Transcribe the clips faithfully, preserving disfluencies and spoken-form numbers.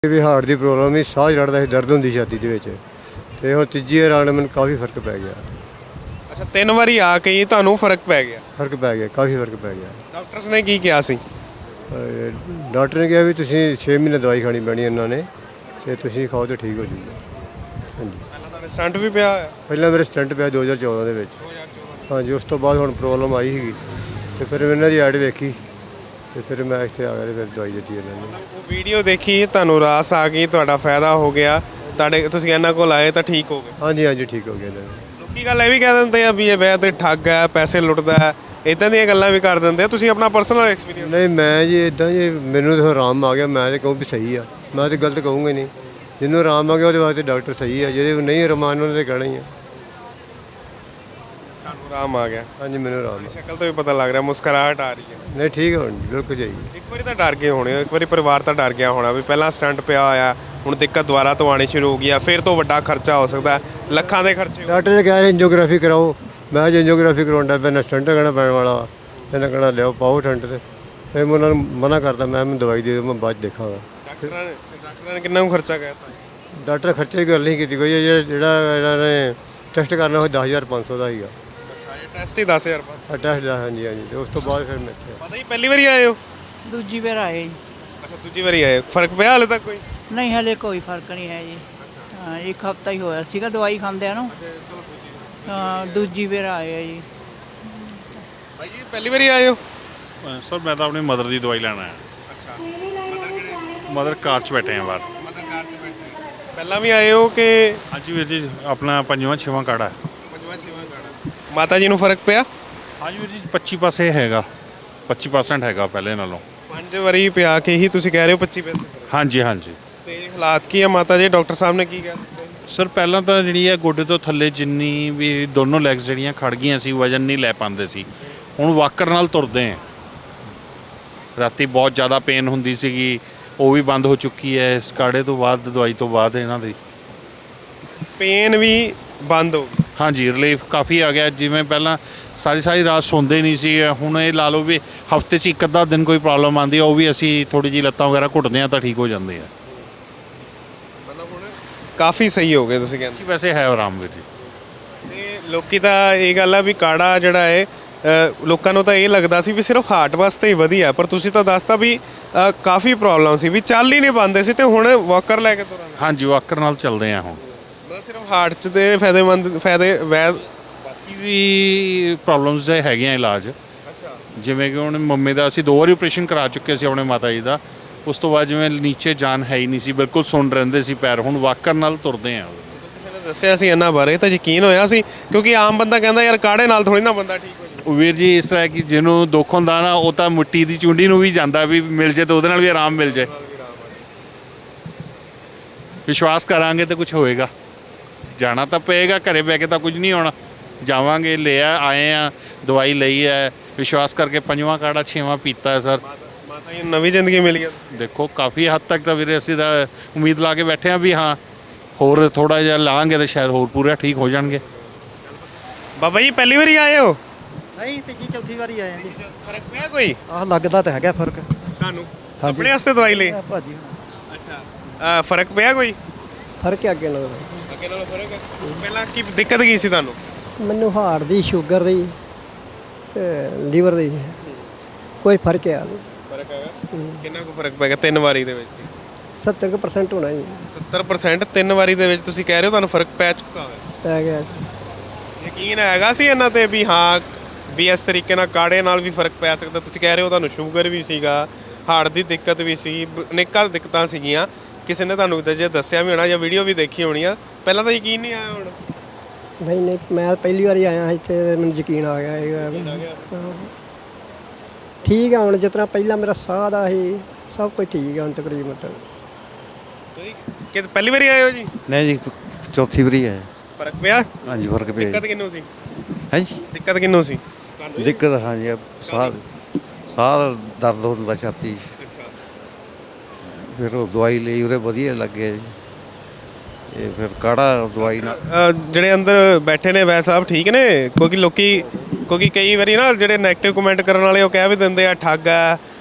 ਵੀ heart ਦੀ problem ਸੀ, ਸਾਹ ਚੜ੍ਹਦਾ ਸੀ, ਦਰਦ ਹੁੰਦੀ ਛਾਤੀ ਦੇ ਵਿੱਚ ਤੇ ਹੁਣ ਤੀਜੀ ਵਾਰ ਆਉਣ ਮੈਨੂੰ ਕਾਫੀ ਫਰਕ ਪੈ ਗਿਆ। ਅੱਛਾ, ਤਿੰਨ ਵਾਰੀ ਆ ਕੇ ਹੀ ਤੁਹਾਨੂੰ ਫਰਕ ਪੈ ਗਿਆ? ਫਰਕ ਪੈ ਗਿਆ, ਕਾਫੀ ਫਰਕ ਪੈ ਗਿਆ। ਡਾਕਟਰਸ ਨੇ ਕੀ ਕਿਹਾ ਸੀ? ਅਹ ਡਾਕਟਰ ਨੇ ਕਿਹਾ ਵੀ ਤੁਸੀਂ ਛੇ ਮਹੀਨੇ ਦਵਾਈ ਖਾਣੀ ਪੈਣੀ ਇਹਨਾਂ ਨੇ ਤੇ ਤੁਸੀਂ ਖਾਓ ਤੇ ਠੀਕ ਹੋ ਜੂਗਾ। ਹਾਂਜੀ, ਪਹਿਲਾਂ ਤੁਹਾਡੇ ਸਟੰਟ ਵੀ ਪਿਆ ਹੋਇਆ? ਪਹਿਲਾਂ ਮੇਰੇ ਸਟੰਟ ਪਿਆ ਦੋ ਹਜ਼ਾਰ ਚੌਦਾਂ ਦੇ ਵਿੱਚ। ਹਾਂਜੀ, ਉਸ ਤੋਂ ਬਾਅਦ ਹੁਣ ਪ੍ਰੋਬਲਮ ਆਈ ਸੀਗੀ ਤੇ ਫਿਰ ਇਹਨਾਂ ਦੀ ਐਡ ਵੇਖੀ ਤੇ ਫਿਰ ਮੈਂ ਇੱਥੇ ਆ ਗਿਆ ਤੇ ਫਿਰ ਦਵਾਈ ਦਿੱਤੀ ਇਹਨਾਂ ਨੇ। ਉਹ ਵੀਡੀਓ ਦੇਖੀ, ਤੁਹਾਨੂੰ ਰਾਸ ਆ ਗਈ, ਤੁਹਾਡਾ ਫਾਇਦਾ ਹੋ ਗਿਆ, ਤੁਹਾਡੇ ਤੁਸੀਂ ਇਹਨਾਂ ਕੋਲ ਆਏ ਤਾਂ ਠੀਕ ਹੋ ਗਏ? ਹਾਂਜੀ ਹਾਂਜੀ, ਠੀਕ ਹੋ ਗਿਆ ਇਹਨਾਂ ਨੇ। ਲੋਕੀ ਗੱਲ ਇਹ ਵੀ ਕਹਿ ਦਿੰਦੇ ਆ ਵੀ ਇਹ ਵੈਦ ਠੱਗ ਹੈ, ਪੈਸੇ ਲੁੱਟਦਾ ਹੈ, ਇੱਦਾਂ ਦੀਆਂ ਗੱਲਾਂ ਵੀ ਕਰ ਦਿੰਦੇ ਆ। ਤੁਸੀਂ ਆਪਣਾ ਪਰਸਨਲ ਐਕਸਪੀਰੀਅੰਸ? ਨਹੀਂ, ਮੈਂ ਜੀ ਇੱਦਾਂ ਜੀ ਮੈਨੂੰ ਤਾਂ ਆਰਾਮ ਆ ਗਿਆ, ਮੈਂ ਤਾਂ ਕਹੂੰ ਵੀ ਸਹੀ ਆ, ਮੈਂ ਤਾਂ ਗਲਤ ਕਹੂੰਗਾ ਹੀ ਨਹੀਂ। ਜਿਹਨੂੰ ਆਰਾਮ ਆ ਗਿਆ ਉਹਦੇ ਵਾਸਤੇ ਡਾਕਟਰ ਸਹੀ ਆ, ਜਿਹਦੇ ਨਹੀਂ ਆਰਾਮ ਉਹਨਾਂ ਨੇ ਕਹਿਣਾ ਹੀ ਆ। ਤੁਹਾਨੂੰ ਆਰਾਮ ਆ ਗਿਆ? ਹਾਂਜੀ, ਮੈਨੂੰ ਆਰਾਮ ਆ। ਸ਼ਕਲ ਤੋਂ ਵੀ ਪਤਾ ਲੱਗ ਰਿਹਾ, ਮੁਸਕਰਾਹਟ ਆ ਰਹੀ ਹੈ। ਨਹੀਂ, ਠੀਕ ਹੈ, ਹੁਣ ਬਿਲਕੁਲ ਜਾਈਏ। ਇੱਕ ਵਾਰੀ ਤਾਂ ਡਰ ਗਏ ਹੋਣੇ, ਇੱਕ ਵਾਰੀ ਪਰਿਵਾਰ ਤਾਂ ਡਰ ਗਿਆ ਹੋਣਾ ਵੀ ਪਹਿਲਾਂ ਸਟੰਟ ਪਿਆ ਹੋਇਆ, ਹੁਣ ਦਿੱਕਤ ਦੁਬਾਰਾ ਤੋਂ ਆਣੀ ਸ਼ੁਰੂ ਹੋ ਗਈ ਆ, ਫਿਰ ਤੋਂ ਵੱਡਾ ਖਰਚਾ ਹੋ ਸਕਦਾ, ਲੱਖਾਂ ਦੇ ਖਰਚੇ। ਡਾਕਟਰ ਨੇ ਕਹਿ ਰਹੇ ਐਂਜੀਓਗ੍ਰਾਫੀ ਕਰਾਓ, ਮੈਂ ਅੱਜ ਐਂਜੀਓਗ੍ਰਾਫੀ ਕਰਾਉਣ ਦਾ ਨਾ ਸਟੰਟ ਕਹਿਣਾ ਪੈਣ ਵਾਲਾ, ਇਹਨਾਂ ਕਹਿਣਾ ਲਿਆਓ ਪਾਓ ਸਟੰਟ ਤੇ। ਫਿਰ ਮੈਂ ਉਹਨਾਂ ਨੂੰ ਮਨਾ ਕਰਦਾ, ਮੈਂ ਮੈਨੂੰ ਦਵਾਈ ਦੇ ਦਿਓ, ਮੈਂ ਬਾਅਦ 'ਚ ਦੇਖਾਂਗਾ। ਡਾਕਟਰਾਂ ਨੇ ਡਾਕਟਰਾਂ ਨੇ ਕਿੰਨਾ ਕੁ ਖਰਚਾ ਕਹਿਤਾ? ਡਾਕਟਰ ਖਰਚੇ ਦੀ ਗੱਲ ਨਹੀਂ ਕੀਤੀ ਕੋਈ, ਜਿਹੜਾ ਜਿਹੜਾ ਇਹਨਾਂ ਨੇ ਟੈਸਟ ਕਰਨਾ ਉਹ ਦਸ ਹਜ਼ਾਰ ਪੰਜ ਸੌ ਦਾ ਸੀਗਾ। ਅੱਛਾ, ਇਹ ਟੈਸਟ ਹੀ ਦਸ ਹਜ਼ਾਰ ਪੰਜ? ਟੈਸਟ ਦਾ, ਹਾਂਜੀ ਹਾਂਜੀ। ਤੇ ਉਸ ਤੋਂ ਬਾਅਦ ਫਿਰ ਮੈਂ ਇੱਥੇ ਪਤਾ ਹੀ ਪਹਿਲੀ ਵਾਰੀ ਆਏ ਹੋ? ਦੂਜੀ ਵਾਰ ਆਏ ਜੀ। ਅੱਛਾ, ਦੂਜੀ ਵਾਰੀ ਆਏ। ਫਰਕ ਪਿਆ ਹਾਲੇ ਤੱਕ ਕੋਈ? ਨਹੀਂ, ਹਲੇ ਕੋਈ ਫਰਕ ਨਹੀਂ ਹੈ ਜੀ। ਹਾਂ, ਇੱਕ ਹਫਤਾ ਹੀ ਹੋਇਆ ਸੀਗਾ ਦਵਾਈ ਖਾਂਦਿਆਂ ਨੂੰ। ਹਾਂ, ਦੂਜੀ ਵਾਰ ਆਏ ਆ ਜੀ। ਭਾਈ ਜੀ ਪਹਿਲੀ ਵਾਰੀ ਆਏ ਹੋ? ਸਰ ਮੈਂ ਤਾਂ ਆਪਣੀ ਮਦਰ ਦੀ ਦਵਾਈ ਲੈਣਾ ਹੈ। ਅੱਛਾ, ਮਦਰ ਕਿਹੜੇ? ਮਦਰ ਕਾਰ 'ਚ ਬੈਠੇ ਆ ਬਾਹਰ। ਮਦਰ ਕਾਰ 'ਚ ਬੈਠੇ। ਪਹਿਲਾਂ ਵੀ ਆਏ ਹੋ ਕਿ? ਹਾਂਜੀ ਵੀਰ ਜੀ, ਆਪਣਾ ਪੰਜਵਾਂ ਛੇਵਾਂ ਕਾੜਾ ਹੈ। ਪੰਜਵਾਂ ਛੇਵਾਂ ਕਾੜਾ। ਮਾਤਾ ਜੀ ਨੂੰ ਫਰਕ ਪਿਆ? ਹਾਂਜੀ ਵੀਰ ਜੀ, ਪੱਚੀ ਪਾਸੇ ਹੈਗਾ, ਪੱਚੀ ਪਰਸੈਂਟ ਹੈਗਾ ਪਹਿਲੇ ਨਾਲੋਂ। ਪੰਜ ਵਾਰੀ ਪਿਆ ਕੇ ਹੀ ਤੁਸੀਂ ਕਹਿ ਰਹੇ ਹੋ ਪੱਚੀ ਪੈਸੇ? ਹਾਂਜੀ ਹਾਂਜੀ। ਤੇ ਹਾਲਾਤ ਕੀ ਆ ਮਾਤਾ ਜੀ? ਡਾਕਟਰ ਸਾਹਿਬ ਨੇ ਕੀ ਕਿਹਾ? ਸਰ ਪਹਿਲਾਂ ਤਾਂ ਜਿਹੜੀ ਹੈ ਗੋਡੇ ਤੋਂ ਥੱਲੇ ਜਿੰਨੀ ਵੀ ਦੋਨੋਂ ਲੈਗਸ ਜਿਹੜੀਆਂ ਖੜ ਗਈਆਂ ਸੀ, ਵਜਨ ਨਹੀਂ ਲੈ ਪਾਉਂਦੇ ਸੀ, ਹੁਣ ਵਾਕਰ ਨਾਲ ਤੁਰਦੇ ਆ। ਰਾਤੀ ਬਹੁਤ ਜ਼ਿਆਦਾ ਪੇਨ ਹੁੰਦੀ ਸੀਗੀ, ਉਹ ਵੀ ਬੰਦ ਹੋ ਚੁੱਕੀ ਹੈ ਇਸ ਕਾੜੇ ਤੋਂ ਬਾਅਦ, ਦਵਾਈ ਤੋਂ ਬਾਅਦ ਇਹਨਾਂ ਦੀ ਪੇਨ ਵੀ ਬੰਦ ਹੋ ਗਈ? ਹਾਂਜੀ, ਰਿਲੀਫ ਕਾਫੀ ਆ ਗਿਆ। ਜਿਵੇਂ ਪਹਿਲਾਂ ਸਾਰੀ ਸਾਰੀ ਰਾਤ ਸੌਂਦੇ ਨਹੀਂ ਸੀ, ਹੁਣ ਇਹ ਲਾ ਲਓ ਵੀ ਹਫਤੇ 'ਚ ਇੱਕ ਅੱਧਾ ਦਿਨ ਕੋਈ ਪ੍ਰੋਬਲਮ ਆਉਂਦੀ ਆ, ਉਹ ਵੀ ਅਸੀਂ ਥੋੜ੍ਹੀ ਜਿਹੀ ਲੱਤਾਂ ਵਗੈਰਾ ਘੁੱਟਦੇ ਹਾਂ ਤਾਂ ਠੀਕ ਹੋ ਜਾਂਦੇ ਆ। ਮਤਲਬ ਹੁਣ ਕਾਫੀ ਸਹੀ ਹੋ ਗਏ ਤੁਸੀਂ ਕਹਿੰਦੇ? ਵੈਸੇ ਹੈ ਆਰਾਮ ਵੀਰ ਜੀ। ਤੇ ਲੋਕੀ ਤਾਂ ਇਹ ਗੱਲ ਆ ਵੀ ਕਾੜਾ ਜਿਹੜਾ ਹੈ ਅ, ਲੋਕਾਂ ਨੂੰ ਤਾਂ ਇਹ ਲੱਗਦਾ ਸੀ ਵੀ ਸਿਰਫ ਹਾਰਟ ਵਾਸਤੇ ਹੀ ਵਧੀਆ, ਪਰ ਤੁਸੀਂ ਤਾਂ ਦੱਸਤਾ ਵੀ ਅ, ਕਾਫੀ ਪ੍ਰੋਬਲਮ ਸੀ, ਵੀ ਚੱਲ ਹੀ ਨਹੀਂ ਪਾਉਂਦੇ ਸੀ ਤੇ ਹੁਣ ਵਾਕਰ ਲੈ ਕੇ ਤੁਰਾਂਗੇ? ਹਾਂਜੀ, ਵਾਕਰ ਨਾਲ ਚੱਲਦੇ ਆ ਹੁਣ। ਮਤਲਬ ਸਿਰਫ ਹਾਰਟ 'ਚ ਦੇ ਫਾਇਦੇਮੰਦ ਫਾਇਦੇ ਵੈਦ? ਬਾਕੀ ਵੀ ਪ੍ਰੋਬਲਮਸ ਦੇ ਹੈਗੀਆਂ ਇਲਾਜ। ਅੱਛਾ, ਜਿਵੇਂ ਕਿ ਹੁਣ ਮੰਮੀ ਦਾ ਅਸੀਂ ਦੋ ਵਾਰੀ ਆਪਰੇਸ਼ਨ ਕਰਾ ਚੁੱਕੇ ਸੀ ਆਪਣੇ ਮਾਤਾ ਜੀ ਦਾ, ਉਸ ਤੋਂ ਬਾਅਦ ਜਿਵੇਂ ਨੀਚੇ ਜਾਨ ਹੈ ਹੀ ਨਹੀਂ ਸੀ, ਬਿਲਕੁਲ ਸੁੰਨ ਰਹਿੰਦੇ ਸੀ ਪੈਰ, ਹੁਣ ਵਾਕਰ ਨਾਲ ਤੁਰਦੇ ਆ। ਕਿਸੇ ਨੇ ਦੱਸਿਆ ਸੀ ਇਹਨਾਂ ਬਾਰੇ ਤਾਂ ਯਕੀਨ ਹੋਇਆ ਸੀ, ਕਿਉਂਕਿ ਆਮ ਬੰਦਾ ਕਹਿੰਦਾ ਯਾਰ ਕਾੜੇ ਨਾਲ ਥੋੜੀ ਨਾ ਬੰਦਾ ਠੀਕ ਹੋ ਜਾਵੇ। ਵੀਰ ਜੀ ਇਸ ਤਰ੍ਹਾਂ ਕਿ ਜਿਹਨੂੰ ਦੁੱਖ ਹੁੰਦਾ ਨਾ, ਉਹ ਤਾਂ ਮਿੱਟੀ ਦੀ ਚੁੰਡੀ ਨੂੰ ਵੀ ਜਾਂਦਾ ਵੀ ਮਿਲ ਜੇ ਤਾਂ ਉਹਦੇ ਨਾਲ ਵੀ ਆਰਾਮ ਮਿਲ ਜੇ। ਵਿਸ਼ਵਾਸ ਕਰਾਂਗੇ ਤਾਂ ਕੁਝ ਹੋਏਗਾ। ਜਾਣਾ ਤਾਂ ਪਏਗਾ, ਘਰੇ ਬਹਿ ਕੇ ਤਾਂ ਕੁਝ ਨਹੀਂ ਹੋਣਾ। ਜਾਵਾਂਗੇ, ਲਿਆ ਆਏ ਆ, ਦਵਾਈ ਲਈ ਹੈ, ਵਿਸ਼ਵਾਸ ਕਰਕੇ ਪੰਜਵਾਂ ਕਾੜਾ ਛੇਵਾਂ ਪੀਤਾ ਹੈ ਸਰ। ਮਾਤਾ ਜੀ ਨੂੰ ਨਵੀਂ ਜ਼ਿੰਦਗੀ ਮਿਲ ਗਈ? ਦੇਖੋ ਕਾਫੀ ਹੱਦ ਤੱਕ ਤਾਂ ਵੀਰੇ ਅਸੀਂ ਤਾਂ ਉਮੀਦ ਲਾ ਕੇ ਬੈਠੇ ਹਾਂ ਵੀ ਹਾਂ ਹੋਰ ਥੋੜ੍ਹਾ ਜਿਹਾ ਲਾਂਗੇ ਤਾਂ ਸ਼ਾਇਦ ਹੋਰ ਪੂਰਾ ਠੀਕ ਹੋ ਜਾਣਗੇ। ਬਾਬਾ ਜੀ ਪਹਿਲੀ ਵਾਰੀ ਆਏ ਹੋ? ਨਹੀਂ, ਤੀਜੀ ਚੌਥੀ ਵਾਰੀ ਆਏ ਜੀ। ਫਰਕ ਪਿਆ ਕੋਈ ਆਹ ਲੱਗਦਾ ਤਾਂ ਹੈਗਾ ਫਰਕ ਤੁਹਾਨੂੰ? ਆਪਣੇ ਵਾਸਤੇ ਦਵਾਈ ਲਈ? ਭਾਜੀ ਅੱਛਾ, ਫਰਕ ਪਿਆ ਕੋਈ? ਫਰਕ ਹੈ ਅੱਗੇ ਨਾਲੋਂ। ਅੱਗੇ ਨਾਲੋਂ ਫਰਕ ਹੈ? ਪਹਿਲਾਂ ਕੀ ਦਿੱਕਤ ਕੀ ਸੀ ਤੁਹਾਨੂੰ? ਮੈਨੂੰ ਹਾਰਟ ਦੀ, ਸ਼ੂਗਰ ਦੀ ਤੇ ਲੀਵਰ ਦੀ ਕੋਈ ਫਰਕ ਹੈ ਨਹੀਂ। ਫਰਕ ਹੈਗਾ? ਕਿੰਨਾ ਕੁ ਫਰਕ ਪੈ ਗਿਆ ਤਿੰਨ ਵਾਰੀ ਦੇ ਵਿੱਚ? ਸੱਤਰ ਕੁ ਪਰਸੈਂਟ ਹੋਣਾ ਜੀ। ਸੱਤਰ ਪਰਸੈਂਟ ਤਿੰਨ ਵਾਰੀ ਦੇ ਵਿੱਚ ਤੁਸੀਂ ਕਹਿ ਰਹੇ ਹੋ ਤੁਹਾਨੂੰ ਫਰਕ ਪੈ ਚੁੱਕਾ ਹੈ? ਪੈ ਗਿਆ। ਯਕੀਨ ਹੈਗਾ ਸੀ ਇਹਨਾਂ ਤੇ ਵੀ ਹਾਂ ਵੀ ਇਸ ਤਰੀਕੇ ਨਾਲ ਕਾੜੇ ਨਾਲ ਵੀ ਫਰਕ ਪੈ ਸਕਦਾ? ਤੁਸੀਂ ਕਹਿ ਰਹੇ ਹੋ ਤੁਹਾਨੂੰ ਸ਼ੂਗਰ ਵੀ ਸੀਗਾ, ਹਾਰਟ ਦੀ ਦਿੱਕਤ ਵੀ ਸੀ, ਅਨੇਕਾਂ ਦਿੱਕਤਾਂ ਸੀਗੀਆਂ, ਕਿਸੇ ਨੇ ਤੁਹਾਨੂੰ ਜੇ ਦੱਸਿਆ ਵੀ ਹੋਣਾ ਜਾਂ ਵੀਡੀਓ ਵੀ ਦੇਖੀ ਹੋਣੀ ਆ, ਪਹਿਲਾਂ ਤਾਂ ਯਕੀਨ ਨਹੀਂ ਆਇਆ? ਹੁਣ ਨਹੀਂ ਨਹੀਂ, ਮੈਂ ਪਹਿਲੀ ਵਾਰੀ ਆਇਆ ਇੱਥੇ, ਮੈਨੂੰ ਯਕੀਨ ਆ ਗਿਆ ਇਹ। ਠੀਕ ਆ ਹੁਣ, ਜਿਸ ਤਰ੍ਹਾਂ ਪਹਿਲਾਂ ਮੇਰਾ ਸਾਹ ਦਾ ਸੀ ਸਭ ਕੁਝ ਠੀਕ ਆ ਹੁਣ ਤਕਰੀਬਨ। ਤੁਸੀਂ ਕਿ ਪਹਿਲੀ ਵਾਰੀ ਆਏ ਹੋ ਜੀ? ਨਹੀਂ ਜੀ, ਚੌਥੀ ਵਾਰੀ ਹੈ। ਫਰਕ ਪਿਆ? ਹਾਂਜੀ, ਫਰਕ ਪਿਆ। ਦਿੱਕਤ ਕਿੰਨੂੰ ਸੀ? ਹਾਂਜੀ, ਦਿੱਕਤ ਕਿੰਨੂੰ ਸੀ? ਦਿੱਕਤ ਹਾਂਜੀ, ਸਾਹ ਸਾਹ ਦਾ ਦਰਦ ਹੁੰਦਾ ਛਾਤੀ। ਅੱਛਾ, ਫਿਰ ਉਹ ਦਵਾਈ ਲਈ ਉਰੇ ਵਧੀਆ ਲੱਗਿਆ ਜੀ। ਇਹ ਫਿਰ ਕਾੜਾ ਦਵਾਈ ਨਾਲ ਅ, ਜਿਹੜੇ ਅੰਦਰ ਬੈਠੇ ਨੇ ਵੈਦ ਸਾਹਿਬ ਠੀਕ ਨੇ? ਕਿਉਂਕਿ ਲੋਕੀ ਕਿਉਂਕਿ ਕਈ ਵਾਰੀ ਨਾ ਜਿਹੜੇ ਨੈਗੇਟਿਵ ਕਮੈਂਟ ਕਰਨ ਵਾਲੇ ਉਹ ਕਹਿ ਵੀ ਦਿੰਦੇ ਆ ਠੱਗ ਆ,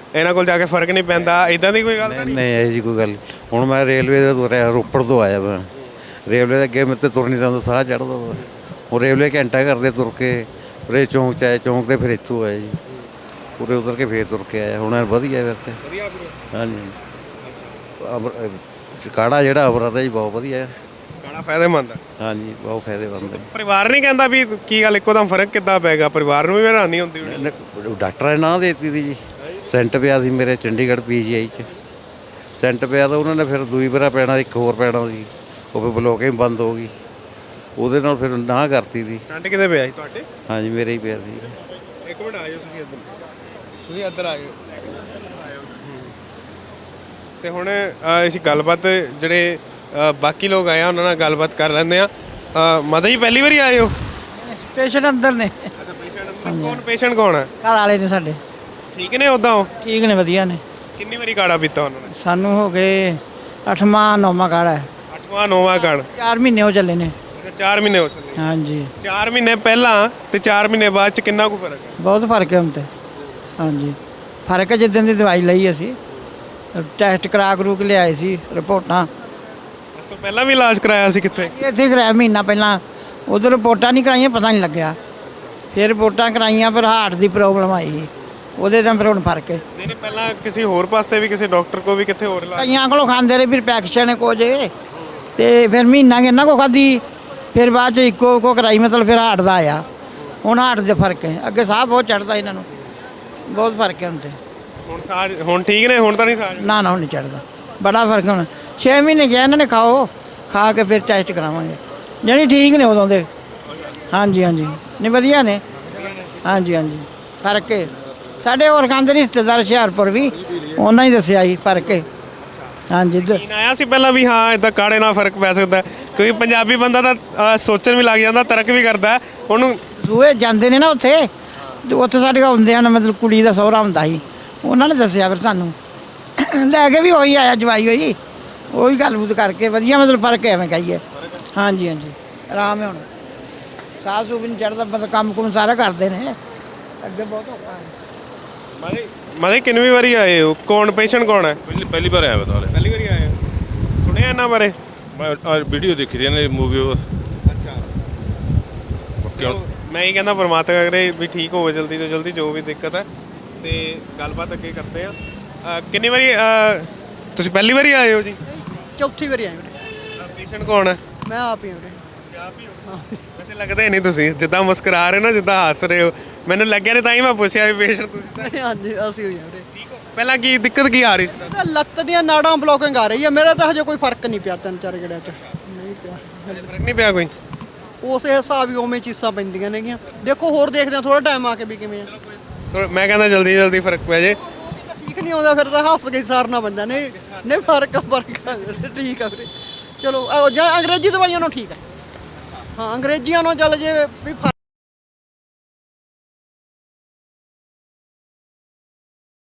ਇਹਨਾਂ ਕੋਲ ਜਾ ਕੇ ਫਰਕ ਨਹੀਂ ਪੈਂਦਾ, ਇਦਾਂ ਦੀ ਕੋਈ ਗੱਲ ਤਾਂ ਨਹੀਂ ਨਹੀਂ? ਨਹੀਂ ਇਹ ਜੀ ਕੋਈ ਗੱਲ ਨਹੀਂ। ਹੁਣ ਮੈਂ ਰੇਲਵੇ ਦੇ ਤੁਰਿਆ, ਰੋਪੜ ਤੋਂ ਆਇਆ ਮੈਂ। ਰੇਲਵੇ ਦੇ ਅੱਗੇ ਮੇਰੇ ਤੇ ਤੁਰ ਨਹੀਂ ਜਾਂਦਾ, ਸਾਹ ਚੜ੍ਹਦਾ ਵਾ। ਹੁਣ ਰੇਲਵੇ ਘੰਟਾ ਕਰਦੇ ਤੁਰ ਕੇ ਉਰੇ ਚੌਂਕ 'ਚ ਆਏ, ਚੌਂਕ ਤੇ ਫਿਰ ਇੱਥੋਂ ਆਏ ਜੀ, ਉਰੇ ਉਤਰ ਕੇ ਫੇਰ ਤੁਰ ਕੇ ਆਇਆ। ਹੁਣ ਵਧੀਆ ਵੈਸੇ। ਵਧੀਆ ਵੀਰੇ। ਹਾਂਜੀ ਅਮਰ ਕਾੜਾ ਜਿਹੜਾ ਅਮਰਤ ਹੈ ਜੀ ਬਹੁਤ ਵਧੀਆ ਹੈ। ਕਾੜਾ ਫਾਇਦੇਮੰਦ ਹੈ। ਹਾਂਜੀ ਬਹੁਤ ਫਾਇਦੇਮੰਦ ਹੈ। ਪਰਿਵਾਰ ਨਹੀਂ ਕਹਿੰਦਾ ਵੀ ਕੀ ਗੱਲ ਇੱਕੋ ਦਮ ਫਰਕ ਕਿੱਦਾਂ ਪੈ ਗਿਆ? ਪਰਿਵਾਰ ਨੂੰ ਵੀ ਹੈਰਾਨੀ ਹੁੰਦੀ ਹੋਣੀ। ਨ- ਡਾਕਟਰਾਂ ਨੇ ਨਾਂ ਦੇ ਦਿੱਤੀ ਸੀ ਜੀ। ਸੈਂਟ ਪਿਆ ਸੀ ਮੇਰੇ ਚੰਡੀਗੜ੍ਹ ਪੀ ਜੀ ਆਈ 'ਚ। ਸੈਂਟ ਪਿਆ ਤਾਂ ਉਹਨਾਂ ਨੇ ਫਿਰ ਦੂਈ ਵਾਰਾ ਪੈਣਾ, ਇੱਕ ਹੋਰ ਪੈਣਾ ਸੀ, ਉਹ ਫਿਰ ਬਲੋਕਿੰਗ ਬੰਦ ਹੋ ਗਈ। ਉਹਦੇ ਨਾਲ ਫਿਰ ਨਾ ਕਰਤੀ ਸੀ। ਸਟੰਟ ਕਿਤੇ ਪਿਆ ਸੀ ਤੁਹਾਡੇ? ਹਾਂਜੀ ਮੇਰੇ ਹੀ ਪਿਆ ਸੀ। ਇੱਕ ਮਿੰਟ ਆਇਓ ਤੁਸੀਂ ਇੱਧਰ, ਤੁਸੀਂ ਇੱਧਰ ਆਇਓ। ਤੇ ਹੁਣ ਅ, ਅਸੀਂ ਗੱਲਬਾਤ ਜਿਹੜੇ ਅ, ਬਾਕੀ ਲੋਕ ਆਏ ਆ ਉਹਨਾਂ ਨਾਲ ਗੱਲਬਾਤ ਕਰ ਲੈਂਦੇ ਆ। ਮਾਤਾ ਜੀ ਪਹਿਲੀ ਵਾਰੀ ਆਏ ਹੋ? ਪੇਸ਼ੈਂਟ ਅੰਦਰ ਨੇ, ਅੱਛਾ ਪੇਸ਼ੈਂਟ ਕੌਣ? ਪੇਸ਼ੈਂਟ ਕੌਣ ਹੈ? ਘਰ ਵਾਲੇ ਨੇ ਸਾਡੇ, ਠੀਕ ਨੇ ਉਦਾਂ ਉਹ? ਠੀਕ ਨੇ, ਵਧੀਆ ਨੇ। ਕਿੰਨੀ ਵਾਰੀ ਕਾੜਾ ਪੀਤਾ ਉਹਨਾਂ ਨੇ? ਸਾਨੂੰ ਹੋ ਗਏ ਅੱਠਵਾਂ ਨੌਵਾਂ ਕਾੜਾ ਹੈ, ਅੱਠਵਾਂ ਨੌਵਾਂ ਕਾੜਾ। ਚਾਰ ਮਹੀਨੇ ਹੋ ਚੱਲੇ ਨੇ। ਅੱਛਾ ਚਾਰ ਮਹੀਨੇ ਹੋ ਚੱਲੇ। ਹਾਂਜੀ ਚਾਰ ਮਹੀਨੇ ਪਹਿਲਾਂ ਤੇ ਚਾਰ ਮਹੀਨੇ ਬਾਅਦ ਚ ਕਿੰਨਾ ਕੁ ਫਰਕ ਹੈ? ਬਹੁਤ ਫਰਕ ਹੈ ਹੁਣ ਤੇ। ਹਾਂਜੀ ਫਰਕ ਹੈ, ਜਿੱਦਣ ਦੀ ਦਵਾਈ ਲਈ ਅਸੀਂ ਟੈਸਟ ਕਰਾ ਕਰੂ ਕੇ ਲਿਆਏ ਸੀ ਰਿਪੋਰਟਾਂ। ਉਸ ਤੋਂ ਪਹਿਲਾਂ ਵੀ ਇਲਾਜ ਕਰਾਇਆ ਸੀ ਕਿੱਥੇ? ਇੱਥੇ ਕਰਾਇਆ ਮਹੀਨਾ ਪਹਿਲਾਂ, ਉਧਰ ਰਿਪੋਰਟਾਂ ਨਹੀਂ ਕਰਾਈਆਂ, ਪਤਾ ਨਹੀਂ ਲੱਗਿਆ। ਫਿਰ ਰਿਪੋਰਟਾਂ ਕਰਾਈਆਂ, ਫਿਰ ਹਾਰਟ ਦੀ ਪ੍ਰੋਬਲਮ ਆਈ, ਉਹਦੇ ਨਾਲ ਫਿਰ ਹੁਣ ਫਰਕ ਹੈ। ਨਹੀਂ ਨਹੀਂ ਪਹਿਲਾਂ ਕਿਸੇ ਹੋਰ ਪਾਸੇ ਵੀ ਕਿਸੇ ਡਾਕਟਰ ਕੋ ਵੀ ਕਿੱਥੇ ਹੋਰ ਇਲਾਜ? ਕਈਆਂ ਕੋਲੋਂ ਖਾਂਦੇ ਰਹੇ, ਫਿਰ ਪੈਕਸ਼ਨ ਕੋ ਜੇ ਤੇ ਫਿਰ ਮਹੀਨਾ ਕਿੰਨਾ ਕੋ ਖਾਧੀ, ਫਿਰ ਬਾਅਦ ਚ ਇੱਕੋ ਕੋ ਕਰਾਈ, ਮਤਲਬ ਫਿਰ ਹਾਰਟ ਦਾ ਆਇਆ। ਹੁਣ ਹਾਰਟ ਦੇ ਫਰਕ ਹੈ, ਅੱਗੇ ਸਾਹ ਬਹੁਤ ਚੜਦਾ ਇਹਨਾਂ ਨੂੰ, ਬਹੁਤ ਫਰਕ ਹੈ ਹੁਣ ਤੇ। ਹੁਣ ਸਾਜ ਹੁਣ ਠੀਕ ਨੇ? ਹੁਣ ਤਾਂ ਨਹੀਂ ਸਾਜ? ਨਾ ਨਾ ਹੁਣ ਨਹੀਂ ਚੜਦਾ, ਬੜਾ ਫਰਕ ਹੁਣ। ਛੇ ਮਹੀਨੇ ਕਿਹਾ ਇਹਨਾਂ ਨੇ ਖਾਓ, ਖਾ ਕੇ ਫਿਰ ਟੈਸਟ ਕਰਾਵਾਂਗੇ। ਜਾਣੀ ਠੀਕ ਨੇ ਉਦੋਂ ਦੇ। ਹਾਂਜੀ ਹਾਂਜੀ ਨਹੀਂ ਵਧੀਆ ਨੇ। ਹਾਂਜੀ ਹਾਂਜੀ ਫਰਕ ਹੈ। ਸਾਡੇ ਹੋਰ ਖਾਂਦੇ ਰਿਸ਼ਤੇਦਾਰ ਹੁਸ਼ਿਆਰਪੁਰ ਵੀ, ਉਹਨਾਂ ਹੀ ਦੱਸਿਆ ਜੀ ਫਰਕ ਹੈ। ਹਾਂਜੀ ਦ- ਯਕੀਨ ਆਇਆ ਸੀ ਪਹਿਲਾਂ ਵੀ ਹਾਂ ਇਦਾਂ ਕਾੜੇ ਨਾਲ ਫਰਕ ਪੈ ਸਕਦਾ ਹੈ? ਕਿਉਂਕਿ ਪੰਜਾਬੀ ਬੰਦਾ ਤਾਂ ਅ, ਸੋਚਣ ਵੀ ਲੱਗ ਜਾਂਦਾ, ਤਰਕ ਵੀ ਕਰਦਾ ਹੈ। ਉਹਨੂੰ ਦੂਏ ਜਾਂਦੇ ਨੇ ਨਾ ਉੱਥੇ, ਤੇ ਉੱਥੇ ਸਾਡੇ ਕੋਲ ਹੁੰਦੇ ਹਨ, ਮਤਲਬ ਕੁੜੀ ਦਾ ਸਹੁਰਾ ਹੁੰਦਾ ਸੀ, ਉਹਨਾਂ ਨੇ ਦੱਸਿਆ ਫਿਰ ਸਾਨੂੰ। ਲੈ ਕੇ ਵੀ ਉਹੀ ਆਇਆ, ਜਵਾਈ ਹੋਈ, ਉਹੀ ਗੱਲਬਾਤ ਕਰਕੇ ਵਧੀਆ, ਮਤਲਬ ਫਰਕ ਹੈ ਐਵੇਂ ਕਹੀਏ। ਹਾਂਜੀ ਹਾਂਜੀ ਆਰਾਮ ਹੈ ਹੁਣ, ਸਾਹ ਸੂਹ ਵੀ ਨਹੀਂ ਚੜ੍ਹਦਾ, ਮਤਲਬ ਕੰਮ ਕੁਮ ਸਾਰਾ ਕਰਦੇ ਨੇ। ਅੱਗੇ ਬਹੁਤ ਔਖਾ ਹੈ। ਮਾਦੇ ਮਾਦੇ ਕਿੰਨੀ ਵਾਰੀ ਆਏ ਹੋ? ਕੌਣ ਪੇਸ਼ੈਂਟ ਕੌਣ ਹੈ? ਪਹਿਲੀ ਪਹਿਲੀ ਵਾਰ ਆਇਆ ਬਤਾ ਲੈ। ਪਹਿਲੀ ਵਾਰੀ ਆਏ ਹੋ? ਸੁਣਿਆ ਇਹਨਾਂ ਬਾਰੇ? ਮੈਂ ਅੱਜ ਵੀਡੀਓ ਦੇਖੀ ਦੀ ਨੇ ਮੂਵੀ ਉਸ ਅੱਛਾ ਚਲੋ, ਮੈਂ ਹੀ ਕਹਿੰਦਾ ਪਰਮਾਤਮਾ ਕਰੇ ਵੀ ਠੀਕ ਹੋਵੇ ਜਲਦੀ ਤੋਂ ਜਲਦੀ, ਜੋ ਵੀ ਦਿੱਕਤ ਹੈ। ਤੇ ਗੱਲਬਾਤ ਅੱਗੇ ਕਰਦੇ ਆ। ਅ, ਕਿੰਨੀ ਵਾਰੀ ਅ, ਤੁਸੀਂ ਪਹਿਲੀ ਵਾਰੀ ਆਏ ਹੋ ਜੀ? ਚੌਥੀ ਵਾਰੀ ਆਏ ਵੀਰੇ। ਪੇਸ਼ੈਂਟ ਕੌਣ ਹੈ? ਮੈਂ ਆਪ ਹੀ ਹਾਂ ਵੀਰੇ। ਆਪ ਹੀ ਹੋ? ਵੈਸੇ ਲੱਗਦੇ ਨਹੀਂ ਤੁਸੀਂ, ਜਿੱਦਾਂ ਮੁਸਕਰਾ ਰਹੇ ਹੋ, ਜਿੱਦਾਂ ਹੱਸ ਰਹੇ ਹੋ, ਮੈਨੂੰ ਲੱਗਿਆ ਨਹੀਂ, ਤਾਂ ਹੀ ਮੈਂ ਪੁੱਛਿਆ ਵੀ ਪੇਸ਼ੈਂਟ ਤੁਸੀਂ ਤਾਂ ਹਾਂਜੀ ਅਸੀਂ ਹੋਈ ਹਾਂ ਵੀਰੇ। ਠੀਕ ਹੋ? ਪਹਿਲਾਂ ਕੀ ਦਿੱਕਤ ਕੀ ਆ ਰਹੀ ਸੀ? ਇਹਦਾ ਲੱਤ ਦੀਆਂ ਨਾੜਾਂ ਬਲੋਕਿੰਗ ਆ ਰਹੀ ਹੈ। ਮੇਰਾ ਤਾਂ ਹਜੇ ਕੋਈ ਫਰਕ ਨਹੀਂ ਪਿਆ, ਤਿੰਨ ਚਾਰ ਗੜਿਆਂ 'ਚ ਨਹੀਂ ਪਿਆ। ਫਰਕ ਨਹੀਂ ਪਿਆ ਕੋਈ? ਉਸੇ ਹਿਸਾਬ ਹੀ ਉਵੇਂ ਚੀਸਾਂ ਪੈਂਦੀਆਂ ਨੇਗੀਆਂ। ਦੇਖੋ ਹੋਰ ਦੇਖਦੇ ਹਾਂ ਥੋੜਾ ਟਾਈਮ ਆ ਕੇ ਵੀ ਕਿਵੇਂ ਆ। ਥੋੜ੍ਹਾ- ਮੈਂ ਕਹਿੰਦਾ ਜਲਦੀ ਜਲਦੀ ਫਰਕ ਪੈ ਜੇ। ਠੀਕ ਨਹੀਂ ਆਉਂਦਾ ਫਿਰ ਤਾਂ ਹੱਸ ਕੇ ਸਾਰਨਾ ਪੈਂਦਾ। ਨਹੀਂ ਨਹੀਂ ਫਰਕ ਆ, ਫਰਕ ਆ ਵੀਰੇ, ਠੀਕ ਆ ਵੀਰੇ। ਚਲੋ ਆਹ ਜਾਂ ਅੰਗਰੇਜ਼ੀ ਦਵਾਈਆਂ ਨੂੰ ਠੀਕ ਆ। ਹਾਂ ਅੰਗਰੇਜ਼ੀਆਂ ਨੂੰ ਚੱਲ ਜੇ ਵੀ ਫਰਕ